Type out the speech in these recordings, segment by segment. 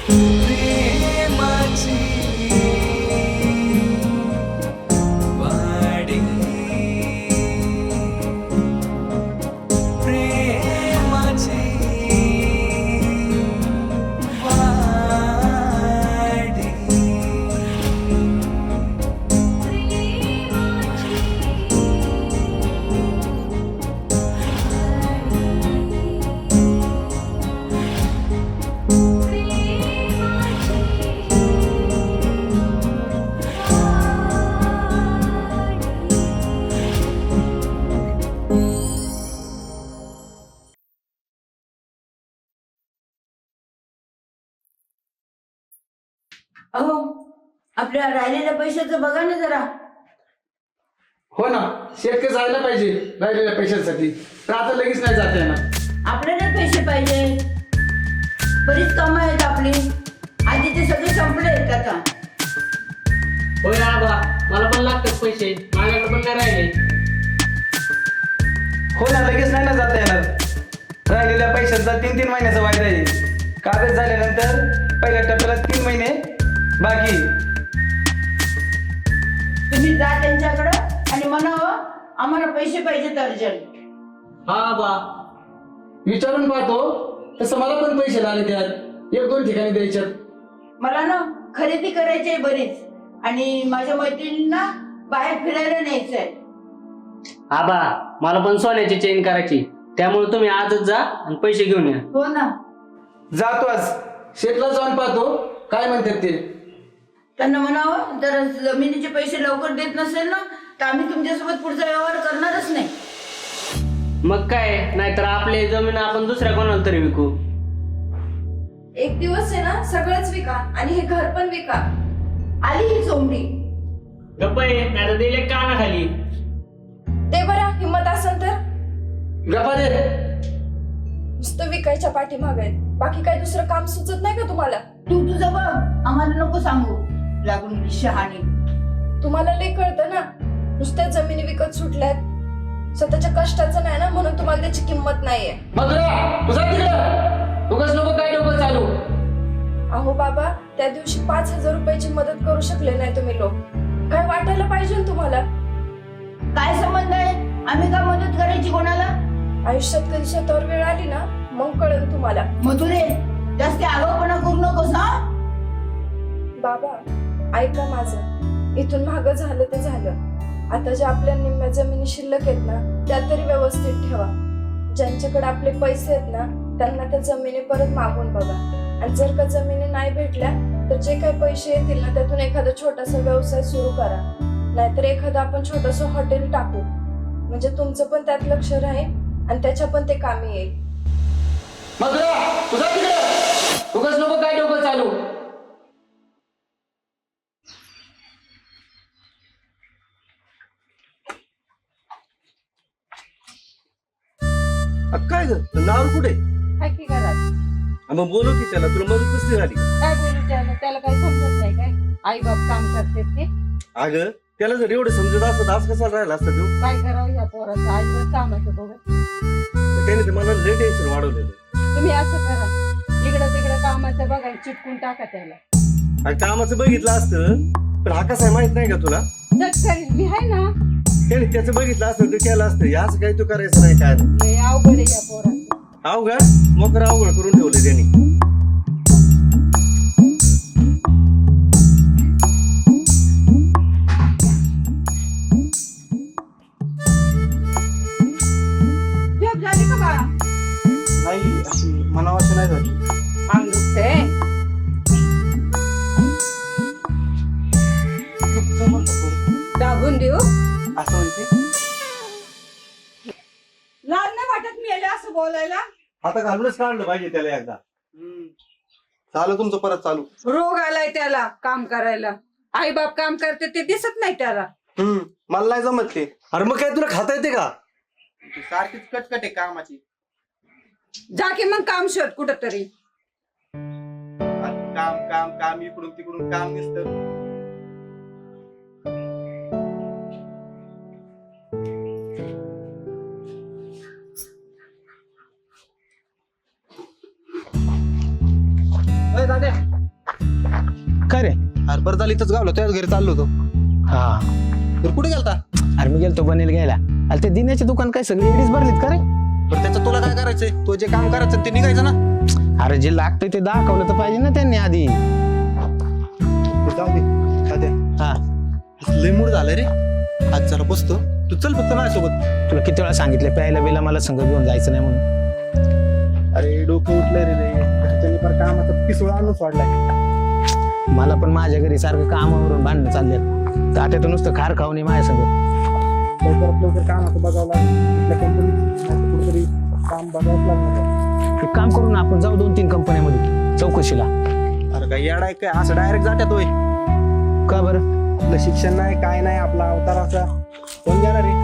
प्रेमाची वाडी प्रेमाची वाडी अहो आपल्या राहिलेल्या पैशाचं बघा ना जरा. हो ना, शेतकरी जायला पाहिजे राहिलेल्या पैशांसाठी, तर आता लगेच नाही जाता येणार. आपल्याला पैसे पाहिजे, बरीच कामं आहेत आपली, आधी ते सगळे संपले आहेत आता. होय आबा, मला पण लागतात पैसे, माझ्याकडे पण नाही राहिले. हो ना, लगेच नाही ना जाता येणार. राहिलेल्या पैशांचा 3-3 महिन्याचा वायदा आहे. कागद झाल्यानंतर पहिल्या टप्प्याला 3 महिने बाकी. तुम्ही जा त्यांच्याकडं आणि म्हणावं आम्हाला पैसे पाहिजेत अर्जंट. हा आबा, विचारून पाहतो, तसं मला पण पैसे लागले त्यात 1-2 ठिकाणी द्यायच्यात. मला ना खरेदी करायची आहे बरीच, आणि माझ्या मैत्रिणींना बाहेर फिरायला न्यायचंय. आबा मला पण सोन्याची चेन करायची, त्यामुळे तुम्ही आजच जा आणि पैसे घेऊन या. हो ना, जातो आज शेतला जाऊन पाहतो काय म्हणतात ते. त्यांना म्हणावं जर जमिनीचे पैसे लवकर देत नसेल ना तर आम्ही तुमच्यासोबत पुढचा व्यवहार करणारच नाही. मग काय, नाहीतर आपली जमीन आपण दुसऱ्या कोणाला तरी विकू. एक दिवस आहे ना सगळंच विका आणि हे घर पण विका. आली ही चोमडी. गप्प आहे, नाहीतर दिले कानाखाली. ते बरं हिंमत असेल तर गप्पा दे. नुसतं विकायच्या पाठीमागे आहेत. बाकी काही दुसरं काम सुचत नाही का तुम्हाला? तू तुझं बघ, आम्हाला नको सांगू लागून शहाणी. तुम्हाला लय कळतं ना, नुसत्या जमिनी विकत सुटल्यात, स्वतःच्या कष्टाचं नाही ना, म्हणून तुम्हाला त्याची किंमत नाहीये. मधुरा, तुझा तिकडं उगाच नको काय डोकं चालू. अहो बाबा, त्या दिवशी 5,000 रुपयाची मदत करू शकले नाही तुम्ही लोक. काय वाटायला पाहिजे ना तुम्हाला? काय संबंध आहे, आम्ही का मदत करायची कोणाला? आयुष्यात कधी स्वतःवर वेळ आली ना मग कळेल तुम्हाला. मधुरे, जास्त आगाऊपणा करू नकोस हा. बाबा ऐका माझं, इथून मागं झालं ते झालं. आता ज्या आपल्या निम्म्या जमिनी शिल्लक आहेत ना त्या तरी व्यवस्थित ठेवा. ज्यांच्याकडे आपले पैसे आहेत ना त्यांना त्या जमिनी परत मागून बघा. आणि जर का जमिनी नाही भेटल्या तर जे काही पैसे येतील ना त्यातून एखादा छोटासा व्यवसाय सुरू करा. नाहीतर एखादं आपण छोटस हॉटेल टाकू, म्हणजे तुमचं पण त्यात लक्ष राहील आणि त्याच्या पण ते कामी येईल. मधुरा, तुझा तिकडं उगाच नको काय डोकं चालू. काय ग नावर कुठे? काय की घरात मग बोलू की त्याला, तुला मदत कसली झाली? काय बोलू त्याला काही समजत नाही काय. आई बाप काम करते ते अगं त्याला जर एवढं समजत असत आज कसा राहिला असता तू? काय करावं या पोराचं आईवर कामाचं बघत. त्याने तर मला लय टेन्शन वाढवलेलं. तुम्ही असं करा, इकडं तिकडं कामाचं बघा, चिटकून टाका त्याला. आणि कामाचं बघितलं असतं पण हा कसा आहे माहित नाही का तुला? जग करील मी आहे ना. त्याने त्याचं बघितलं असतं तर केलं असतं. असं काही तू करायचं नाही काय नाही. लय अवघड आहे या पोराचं. अवघड मोकर अवघड करून ठेवले त्यांनी. झोप झाली का बाळा? नाही, अशी मनावाशी नाही झाली. अंग दुखतंय. दाबून देऊ? असं म्हणते. लाज नाही वाटत मी असं बोलायला? आता घालूनच काढलं पाहिजे त्याला एकदा. चालू तुमचं परत चालू. रोग आलाय त्याला काम करायला. आई बाप काम करते ते दिसत नाही त्याला. मला नाही जमत ते. अरे मग काय तुला खाता येते का? सारखीच कटकट आहे कामाची. जा की मग काम शोध कुठं तरी. काम काम काम, इकडून तिकडून काम दिसतं. दादा अरे बरं झालं इथंच गावलं, त्याच घरी चाललो होतो. हा तर कुठे गेलता? अरे मी गेलतो बनेल घ्यायला. अरे ते दिन्याचे दुकान काय सगळी एडीच भरलीत का रे? बरं त्याचं तुला काय करायचंय? तो जे काम करायचं ते निघायचं ना. अरे जे लागतंय ते दाखवलं तर पाहिजे ना त्यांनी आधी. ते जाऊ दे साध्या. हा लय मूड झालं रे आज, जरा बसतो. तू चल फक्त माझ्यासोबत. तुला किती वेळा सांगितलं प्यायला बिला मला संग घेऊन जायचं नाही म्हणून. अरे डोकं उठलंय रे, घरच्यांनी पर कामाचा पिसोळा आणून सोडलाय. मला पण माझ्या घरी सारखं कामावरून भांडणं चालले. तात्या तर नुसतं खार खाऊन माझ्या संग. लवकर कामाचं बघावं लागेल. कंपनीत कुठेतरी काम बघावं लागणार. एक काम करून आपण जाऊ 2-3 कंपन्यामध्ये चौकशीला. अरे काय येडाय काय, असं डायरेक्ट जात्यात होय? का बरं? आपलं शिक्षण नाही काय नाही, आपला अवतार असा कोण जाणार रे?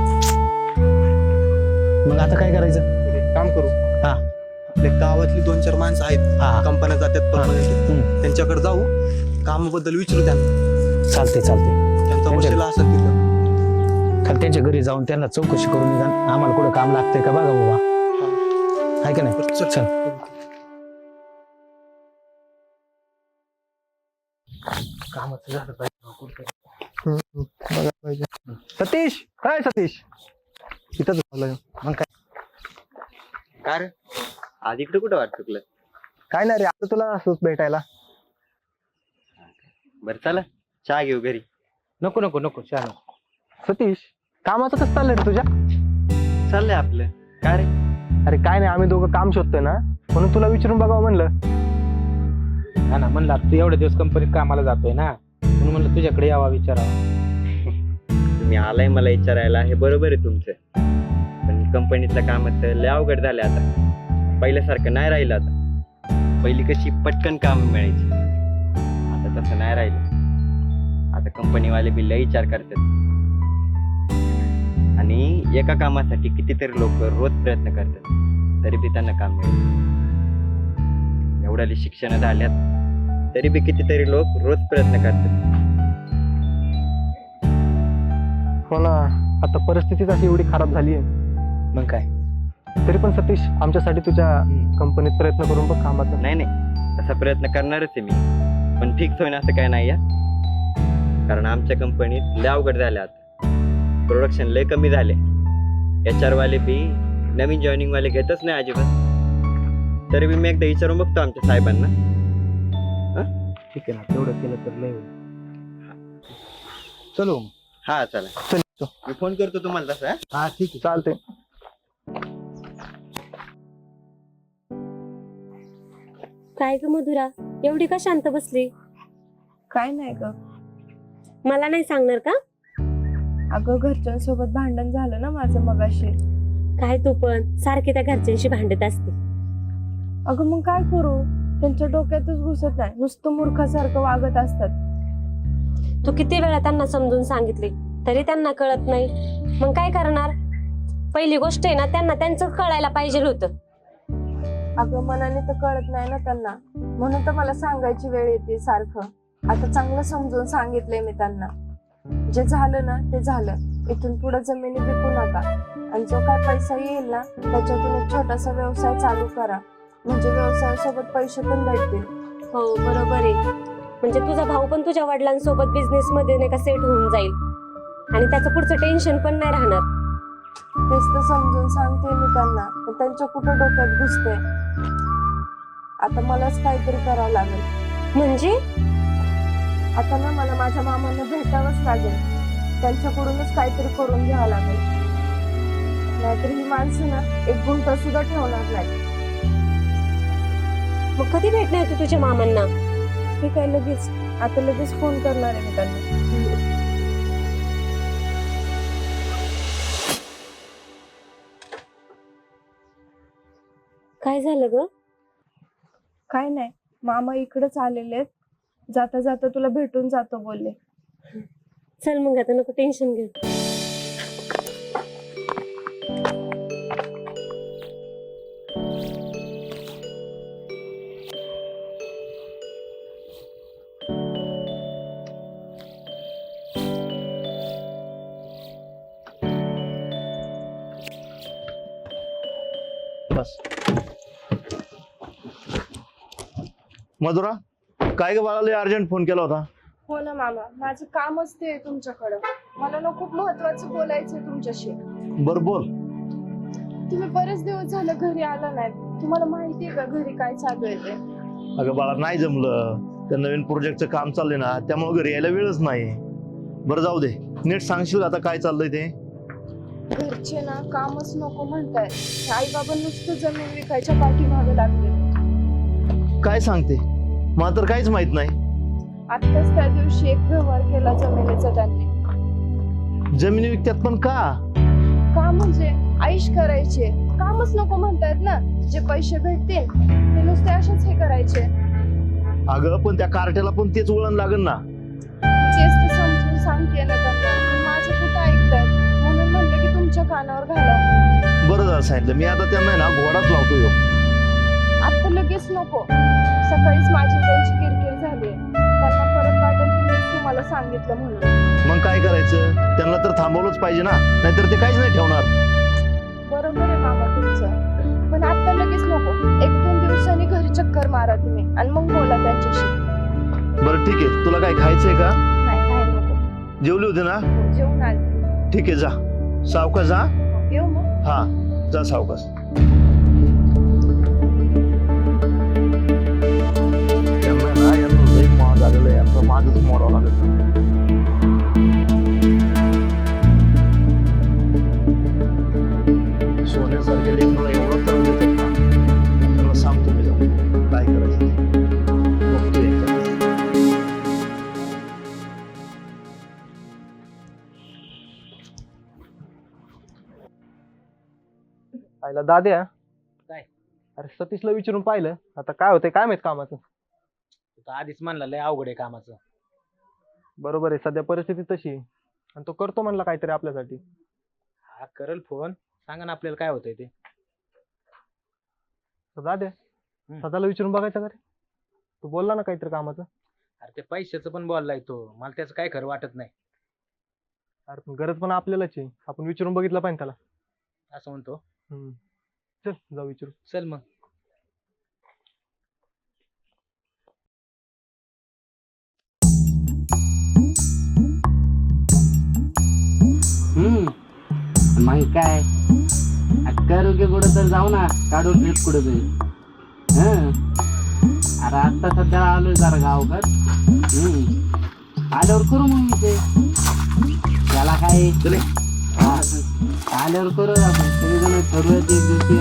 मग आता काय करायचं? एक काम करू, हा आपल्या गावातली 2-4 माणसं आहेत, हा कंपन्या जातात परमनंट, त्यांच्याकडे जाऊ, कामाबद्दल विचारू त्यांना. चालते त्यांचा वशिला असेल तिथं. खाली त्यांच्या घरी जाऊन त्यांना चौकशी करून निघा, आम्हाला कुठं काम लागतंय का बघा बाबा. आहे का नाही? चल. कामाचं झालं पाहिजे. बघा पाहिजे. सतीश, काय सतीश इथंच झालं. मग काय रे आज इकडे कुठं वाट चुकलं? काय नाही रे, आता तुला असंच भेटायला. बरं चला चहा घेऊ घरी. नको छान. सतीश, कामाचं कसं चाललंय रे तुझ्या? चाललंय आपलं. काय रे? अरे काय नाही, आम्ही दोघं काम शोधतोय ना, म्हणून तुला विचारून बघावं म्हणलं. हा ना, म्हणलं तू एवढे दिवस कंपनीत कामाला जातोय ना, म्हणून म्हणलं तुझ्याकडे यावा विचारावा. तुम्ही आलाय मला विचारायला, हे बरोबर आहे तुमचं, पण कंपनीतलं कामाचं लय अवघड झालं आता. पहिल्यासारखं नाही राहिलं आता. पहिली कशी पटकन काम मिळायची, आता तसं नाही राहिलं. आता कंपनीवाले बी लय विचार करतात, आणि एका कामासाठी कितीतरी लोक रोज प्रयत्न करतात, तरी बी त्यांना काम मिळेल. एवढ्याली शिक्षण झाल्यात तरी बी कितीतरी लोक रोज प्रयत्न करतात. हो ना, आता परिस्थितीच अशी एवढी खराब झाली आहे. मग काय? तरी पण सतीश, आमच्यासाठी तुझ्या कंपनीत प्रयत्न करून बघ कामाचा. नाही तसा प्रयत्न करणारच आहे मी, पण फिक्स होईन असं काय नाही. कारण आमच्या कंपनीत लय अवघड झाले, आता प्रोडक्शन लय कमी झाले. HR वाले बी नवीन जॉईनिंग वाले घेतच नाही अजिबात. तरी बी मी एकदा विचारून बघतो आमच्या साहेबांना. ठीक आहे ना, तेवढं केलं तर लय होईल. चलो. हा चला, चल मी फोन करतो तुम्हाला तसा. हा ठीक आहे, चालते. काय ग मधुरा, एवढी का शांत बसली? काय नाही ग. मला नाही सांगणार का? अगं घरच्यांसोबत भांडण झालं ना माझं मगाशी. काय तू पण सारखी त्या घरच्यांशी भांडत असते. अगं मग काय करू, त्यांच्या डोक्यातच घुसत नाही, नुसतं मूर्खासारखं वागत असतात. तू किती वेळा त्यांना समजून सांगितले तरी त्यांना कळत नाही. मग काय करणार? पहिली गोष्ट आहे ना, त्यांना त्यांचं कळायला पाहिजे होतं. अगं मनाने तर कळत नाही ना त्यांना, म्हणून तर मला सांगायची वेळ येते सारखं. आता चांगलं समजून सांगितलंय मी त्यांना. जे झालं ना ते झालं, इथून पुढे जमिनी विकू नका, आणि जो काय पैसा येईल ना त्याच्यातून एक छोटासा व्यवसाय चालू करा, म्हणजे व्यवसायासोबत पैसे पण भेटतील. हो बरोबर आहे. म्हणजे तुझा भाऊ पण तुझ्या वडिलांसोबत बिझनेस मध्ये नाही का सेट होऊन जाईल, आणि त्याचं पुढचं टेन्शन पण नाही राहणार. तेच तर समजून सांगते मी त्यांना, पण त्यांच्या कुठं डोक्यात घुसते. आता मलाच काहीतरी करावं लागेल. म्हणजे आता ना मला माझ्या मामांना भेटावंच लागेल, त्यांच्याकडूनच काहीतरी करून घ्यावं लागेल. नाहीतर ही माणसं ना एक गुंठा सुद्धा ठेवणार नाही. मग कधी भेटणार तू तुझ्या मामांना? ठीक आहे, लगेच. आता लगेच फोन करणार आहे मी त्यांना. काय झालं ग? काय नाही, मामा इकडेच आलेले आहेत, जाता जाता तुला भेटून जातो बोलले. चल मग, आता नको टेन्शन घेऊ. बस. मधुरा, काय ग बाळाला अर्जंट फोन केला होता? हो ना मामा, माझं कामच ते आहे तुमच्याकडं. मला ना खूप महत्वाचं बोलायचंय तुमच्याशी. बर बोल. तुम्ही बरेच दिवस झालं घरी आला नाहीत. तुम्हाला माहितीये का घरी काय चालू आहे ते? अगं बाळा, नाही जमलं. त्या नवीन प्रोजेक्टचं काम चाललंय ना, त्यामुळे घरी यायला वेळच नाही. बरं जाऊ दे, नीट सांगशील आता काय चाललंय ते? घरचे ना कामच नको म्हणताय. आई बाबा नुसतं जमीन विकायच्या पाठीमागे लागले. काय सांगते? मला तर काहीच माहित नाही. आत्ताच त्या दिवशी एक व्यवहार केला जमिनीचा त्यांनी. जमिनी विकत्यात पण का? का म्हणजे आईश करायचे, कामच नको म्हणतायत ना. जे पैसे भेटतील ते नुसते असेच हे करायचे. अगं पण त्या कार्ट्याला पण तेच वळण लागल ना. तेच तर समजून सांगते ना त्यांना, पण माझं कुठं ऐकतात. म्हणून म्हणलं की तुमच्या कानावर घाला. बरं झालं सांगितलं. मी आता त्यांना ना घोडाच लावतो ह्यो. आता लगेच नको. सकाळीच माझी त्यांची किरकिर झाली. त्यांना परत वाटेल की मी तुम्हाला सांगितलं म्हणून. मग काय करायचं? त्यांना तर थांबवलंच पाहिजे ना, नाहीतर ते काहीच नाही ठेवणार. बरोबर आहे मामा तुमचं, पण आता लगेच नको. 1-2 दिवसांनी घरी चक्कर मारा तुम्ही आणि मग बोला त्यांच्याशी. बरं ठीक आहे. तुला काय खायचंय का? नाही काय नको. जेवली होती ना? जेवून आले. ठीक आहे, जा सावकाश. जा. येऊ मग. हा, जा सावकाश. त्यांना ना यांना लई महाग झालेलं आहे. आता माझंच मोडावं लागेल. सोन्यासारखे लेकराला एवढं त्रास देतात ना, त्यांना सांगतो मी जाऊन काय करायचं ते. बघतो एकदा. आईला दाद्या, काय? अरे सतीशला विचारून पाहिलं, आता काय होतंय काय माहित कामाचं. तू आधीच म्हणला लय अवघड आहे कामाचं. बरोबर आहे, सध्या परिस्थिती तशी आहे. आणि तो करतो म्हणला काहीतरी आपल्यासाठी. हा करेल फोन, सांगा ना आपल्याला काय होतंय ते. दाद्या, सदाला विचारून बघायचं का रे? तू बोलला ना काहीतरी कामाचं. अरे ते पैशाचं पण बोललाय तो, मला त्याचं काय खरं वाटत नाही. अरे पण गरज पण आपल्यालाच आहे, आपण विचारून बघितलं पाहिजे त्याला. असं म्हणतो. चल जाऊ विचारू. चल मग. मग काय करू की कुठं तर जाऊ ना, काढू ट्रिप कुठं तरी. अरे आता सध्या आलोय जरा गावकर. आल्यावर करू मग मी ते. त्याला काय आल्यावर करू आपण सगळेजण ठरवूया एक दिवशी.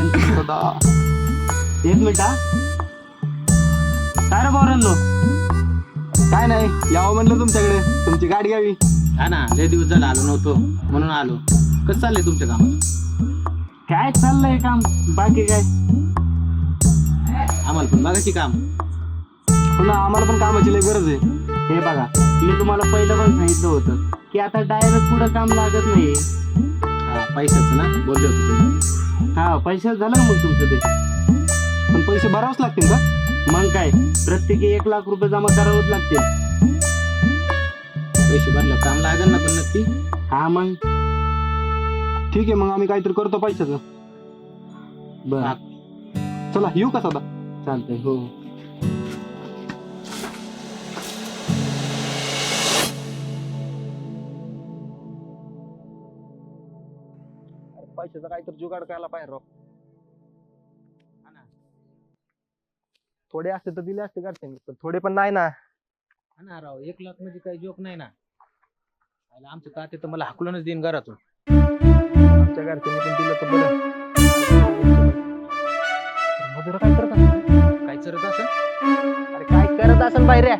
एक मिनिट हा. काय रे पोरांनो? काय नाही, यावं म्हणलं तुमच्याकडे, तुमची गाडी घ्यावी. हा ना, लय दिवस झाला आलो नव्हतो म्हणून आलो. कसं चाललंय तुमच्या कामाचं? काय चाललंय काम, बाकी काय. आम्हाला पण बघायची काम. हो ना, आम्हाला पण कामाची लय गरज आहे. हे बघा, मी तुम्हाला पहिलं पण सांगितलं होतं की आता डायरेक्ट पुढं काम लागत नाही. हा पैशाचं ना बोलले होते तुम्ही. हा पैशाच झालं ना मग तुमचं ते. पण पैसे भरावंच लागतील का? मग काय, प्रत्येकी 1 लाख रुपये जमा करावंच लागतील. पैसे भरलं काम लागेल ना पण नक्की. हा मग ठीक आहे, मग आम्ही काहीतरी करतो पैशाचं. बर, चला येऊ का सदा? चालतंय. हो पैशाचा काहीतरी जुगाड करायला पाहिजे राव. थोडे असते तर दिले असते घरच्यांनी, पण थोडे पण नाही ना. हा ना राव, 1 लाख म्हणजे काही जोक नाही ना. आमचं ताते तर मला हाकलूनच देईन घरातून. आमच्या घरच्यांनी पण दिलं तर बरं. मधुरा काय करत असेल? काय चरत असं अरे काय करत असेल बाहेर?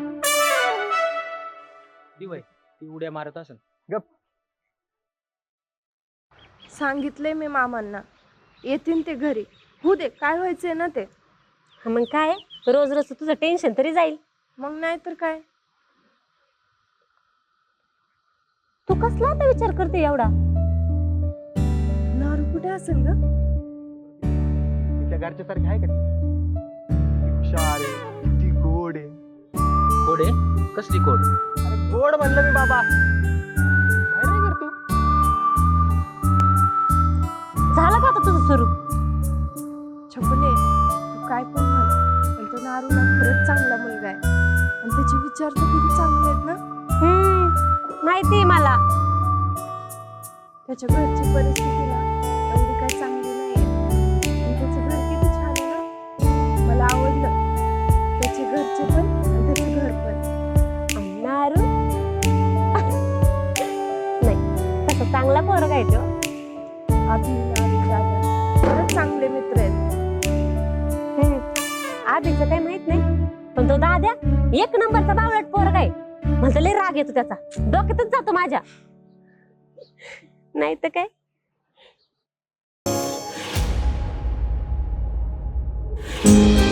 दिवाय ती उड्या मारत असेल. गप. सांगितलंय मी मामांना, येतील ते घरी. होऊ दे, काय व्हायचंय ना ते. मग काय, रोज रोज तुझं टेन्शन तरी जाईल. मग नाही तर काय. तू कसला आता विचार करते एवढा? नारू कुठे असेल ग? तिच्या घरच्या सारखी आहे का ती? हुशार आहे, ती गोड आहे. कोड आहे? कसली कोड? अरे गोड म्हणलं मी बाबा. काय नाही करतो. झालं का आता तुझं सुरू? छकुले, तू काय पण म्हण, पण तो नारू ना खरंच चांगला मुलगा आहे आणि त्याचे विचार तर किती चांगले आहेत ना? माहिती मला. त्याच्या घरची परिस्थिती ना एवढी काही चांगली नाही. त्याचं घर किती छान आहे ना, मला आवडलं. त्याचे घरचे पण आणि त्याचं घर पण. नारू नाही, तसं चांगला पोरगा आहे तो. खरंच चांगले मित्र आहेत. आधीचं काही माहित नाही, पण तो दाद्या एक नंबरचा बावळट पोरगा आहे. म्हणतो लय राग येतो त्याचा, डोक्यातच जातो माझ्या. नाही तर काय.